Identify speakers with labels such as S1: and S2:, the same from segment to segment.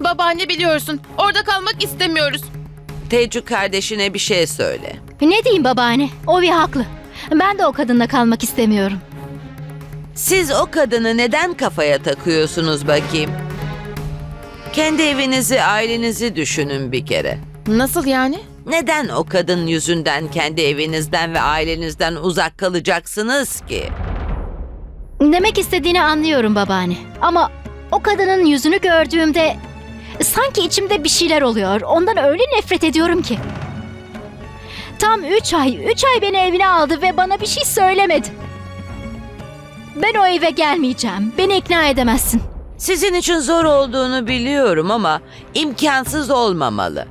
S1: Babaanne biliyorsun. Orada kalmak istemiyoruz.
S2: Tecu kardeşine bir şey söyle.
S3: Ne diyeyim babaanne? Ovi haklı. Ben de o kadınla kalmak istemiyorum.
S2: Siz o kadını neden kafaya takıyorsunuz bakayım? Kendi evinizi, ailenizi düşünün bir kere.
S1: Nasıl yani?
S2: Neden o kadın yüzünden kendi evinizden ve ailenizden uzak kalacaksınız ki?
S3: Demek istediğini anlıyorum babaanne. Ama o kadının yüzünü gördüğümde sanki içimde bir şeyler oluyor. Ondan öyle nefret ediyorum ki. Tam 3 ay beni evine aldı ve bana bir şey söylemedi. Ben o eve gelmeyeceğim. Beni ikna edemezsin.
S2: Sizin için zor olduğunu biliyorum ama imkansız olmamalı.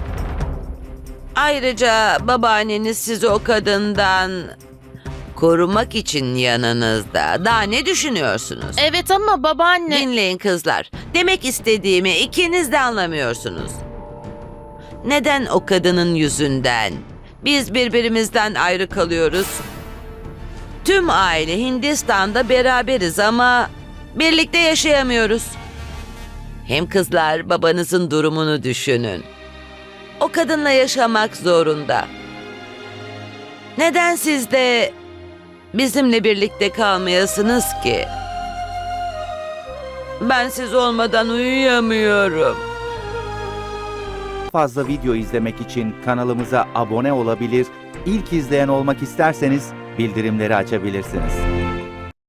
S2: Ayrıca babaanneniz sizi o kadından korumak için yanınızda. Daha ne düşünüyorsunuz?
S1: Evet ama babaanne...
S2: Dinleyin kızlar. Demek istediğimi ikiniz de anlamıyorsunuz. Neden o kadının yüzünden biz birbirimizden ayrı kalıyoruz? Tüm aile Hindistan'da beraberiz ama birlikte yaşayamıyoruz. Hem kızlar, babanızın durumunu düşünün. O kadınla yaşamak zorunda. Neden siz de bizimle birlikte kalmayasınız ki? Ben siz olmadan uyuyamıyorum.
S4: Fazla video izlemek için kanalımıza abone olabilir, ilk izleyen olmak isterseniz bildirimleri açabilirsiniz.